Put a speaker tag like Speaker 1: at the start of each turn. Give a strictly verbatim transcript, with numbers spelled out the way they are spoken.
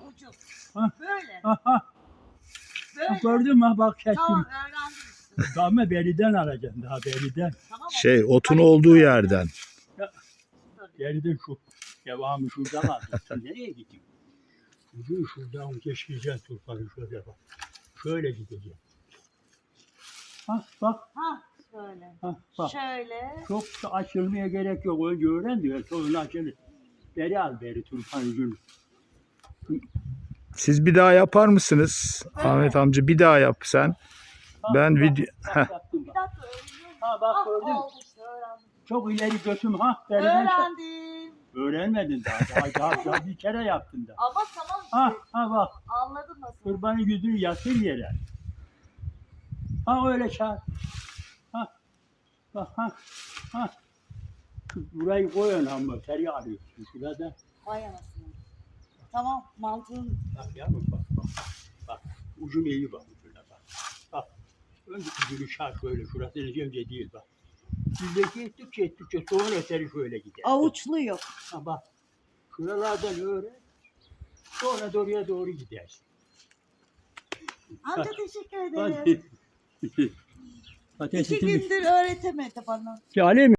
Speaker 1: ucu.
Speaker 2: Ha.
Speaker 1: Böyle.
Speaker 2: Ha, ha.
Speaker 1: Böyle.
Speaker 2: Gördün mü bak kestim.
Speaker 1: Tamam öğrendim.
Speaker 2: Daha beriden alacaksın daha beriden.
Speaker 1: Tamam.
Speaker 3: Şey otun olduğu yerden.
Speaker 2: Beriden şu. Devamı şuradan alacaksın. Nereye gidiyorsun? Ucu şuradan geçireceksin turpanı şöyle bak. Şöyle gideceksin. Ha bak.
Speaker 1: Ha şöyle.
Speaker 2: Ha bak.
Speaker 1: Şöyle.
Speaker 2: Çok da açılmaya gerek yok. Önce öğren diyor. Sonra açılır. Beri al beri turpan ucunu.
Speaker 3: Siz bir daha yapar mısınız? Ahmet amca bir daha yap sen.
Speaker 2: Ha,
Speaker 3: Ben
Speaker 2: bak,
Speaker 3: video-
Speaker 2: bak,
Speaker 3: Heh.
Speaker 2: yaptım
Speaker 1: Bir
Speaker 2: bak.
Speaker 1: dakika öğreniyorum.
Speaker 2: Ha bak
Speaker 1: Ah,
Speaker 2: gördün mü?
Speaker 1: oldu işte öğrendim.
Speaker 2: Çok ileri götüm ha. Beriden çek.
Speaker 1: Öğrendim.
Speaker 2: Öğrenmedin daha. Daha, daha, daha bir kere yaptın da.
Speaker 1: Ama tamam işte.
Speaker 2: Ha ha bak.
Speaker 1: Anladım nasıl.
Speaker 2: Kurbanı yüzünü yatır yere. Ha öyle çağır. Ha. Bak ha. Ha. Şu burayı koyun ama teri arıyorsun şurada.
Speaker 1: Vay anasını. Tamam mantığın.
Speaker 2: Bak yavrum bak bak. Bak ucun iyi bak ucuna bak. Bak. Önce ucunu çağır şöyle şurası önce değil bak. Bizdeki ettikçe ettikçe sonra teri şöyle gider.
Speaker 1: Avuçluyor.
Speaker 2: Ha bak. Şuralardan öğren. Sonra da oraya doğru gidersin.
Speaker 1: Amca
Speaker 2: Bak.
Speaker 1: teşekkür
Speaker 2: Hadi.
Speaker 1: ederim.
Speaker 2: Patates
Speaker 1: İki gündür öğretemedi bana.
Speaker 2: Alem